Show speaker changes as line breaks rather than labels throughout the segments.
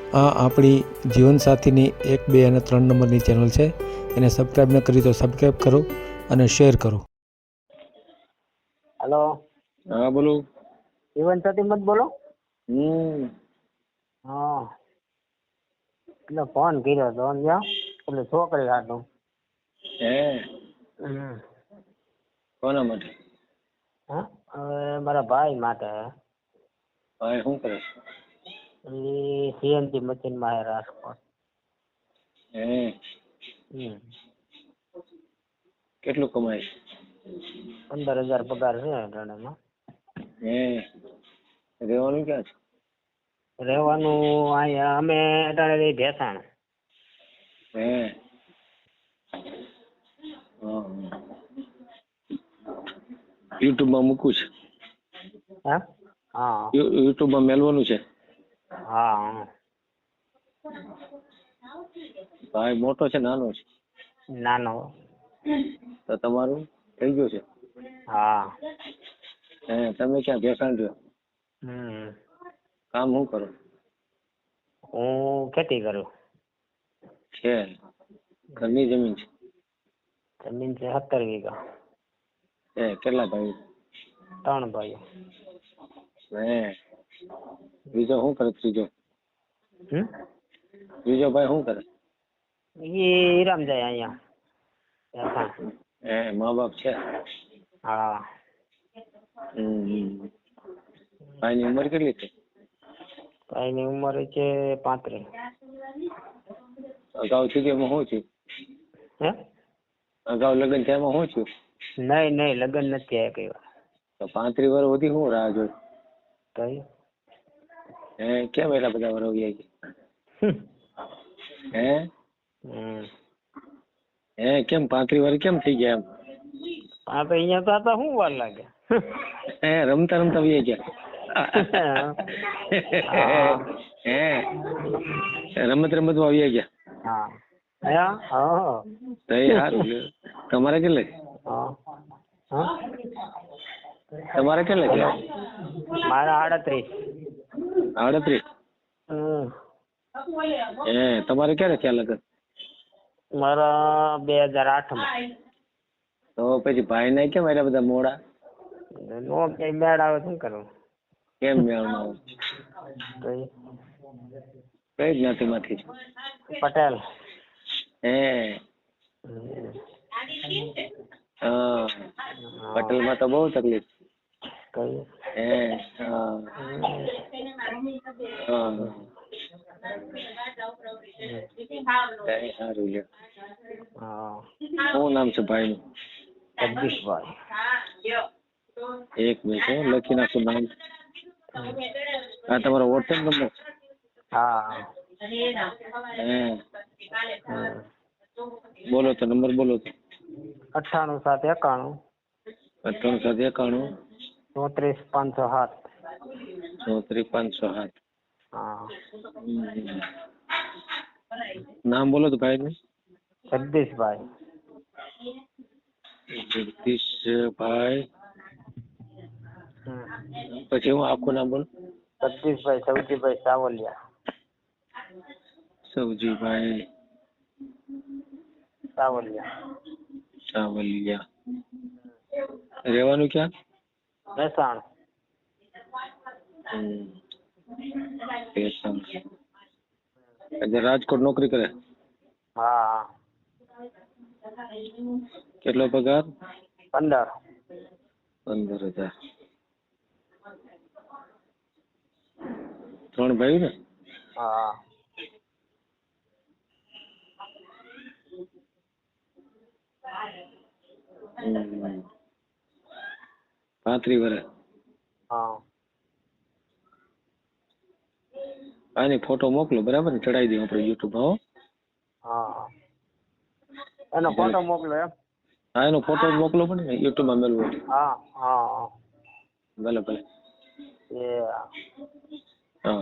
આ આપણી જીવનસાથીની 1, 2 અને 3 નંબરની ચેનલ છે. એને સબસ્ક્રાઈબ ન કરી તો સબસ્ક્રાઈબ કરો અને શેર કરો.
हेलो
हाँ बोलो।
जीवन साथी मत बोलो। हाँ એટલે ફોન કર્યો તો સમજ્યા એટલે છોકરી હાટું
હે કોના માટે?
હા હવે મારા ભાઈ માટે
ભાઈ શું કરે
એ સીએનજી મશીન માં હે રાજકોટ.
હે કેટલું કમાય?
15,000 પગાર છે અટાણામાં.
હે રહેવાનું ક્યાં છે?
રહેવાનું અહીંયા અમે અટાણે ભેસાણ.
હે યુટ્યુબ માં મૂકવું છે?
હા હા
યુટ્યુબ માં મેલવાનું છે?
હા
ભાઈ મોટો છે નાનો છે?
નાનો.
તો તમારું થઈ ગયું છે?
હા
હે તમે ક્યાં ભેસાણ રહ્યો? કામ શું કરો?
હું ખેતી કરું.
છે ઘરની જમીન છે?
જમીન છે 17 વીઘા.
હે કેટલા ભાઈ?
3 ભાઈઓ.
હે બીજો શું કરે? ત્રીજો ભાઈ શું કરે?
એ હીરામ જાય અહીંયા.
હે મા બાપ છે?
હા.
ભાઈની ઉંમર કેટલી છે?
ભાઈની ઉંમર છે 35.
અગાઉ થયું શું થયું?
હે
અગાઉ લગ્ન થયામાં શું થયું?
નહીં લગ્ન નથી થયા કઈ વાર.
તો 35 વર્ષ સુધી શું રાહ જોઈ?
તો
હે કેમ એટલા બધા વર્ષ વ્યા ગયા? હે કેમ 35 વર્ષ કેમ થઈ ગયા એમ?
હા તો અહીંયા તો હતા શું વાર લાગે?
હે રમતા રમતા વ્યા ગયા? હે રમત રમતમાં વ્યા ગયા?
હા
તો એ સારું. તમારે કેટલે? તમારે કેટલે છે?
મારા 38.
38? હે તમારે ક્યારે થયા લગન?
મારા 2008 માં.
તો પછી ભાઈ ને કેમ એટલા બધા મોડા?
નો કઈ મેળ આવે શું કરવું?
કેમ મેળ ન આવે? કઈ જ્ઞાતિમાંથી છે?
પટેલ.
હે હા પટેલ માં તો બહુ તકલીફ. હે સારું લ્યો. શું નામ છે ભાઈ નું?
જગદીશભાઈ.
1 મિનિટ લખી નાખું નામ. હા તમારો વોટ્સએપ નંબર?
હા.
બોલો તો નંબર બોલો તો.
98 791 34 507.
34 507.
હા.
નામ બોલો તો ભાઈ નું.
જગદીશભાઈ.
જગદીશભાઈ પછી હું આખું નામ બોલું.
જગદીશભાઈ સવજીભાઈ સાવલિયા.
સવજીભાઈ સાવલિયા. રહેવાનું ક્યાં?
ભેસાણ.
રાજકોટ નોકરી કરે?
હા.
કેટલો પગાર?
15,000.
3 ભાઈ ને?
હા.
હમ 35 વર્ષ.
હા.
આની ફોટો મોકલો બરાબર ને? ચડાવી દઉં આપણે યુટ્યુબ.
હા એનો ફોટો મોકલો એમ?
હા એનો ફોટો મોકલો પડે ને યુટ્યુબ માં મેળવો.
હા હા
ભલે ભલે. હા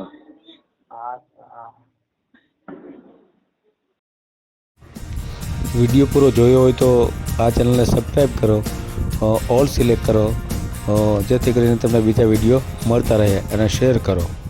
વિડીયો પૂરો જોયો હોય તો આ ચેનલને સબસ્ક્રાઈબ કરો, ઓલ સિલેક્ટ કરો, જેથી કરીને તમને બીજા વિડીયો મળતા રહે, અને શેર કરો.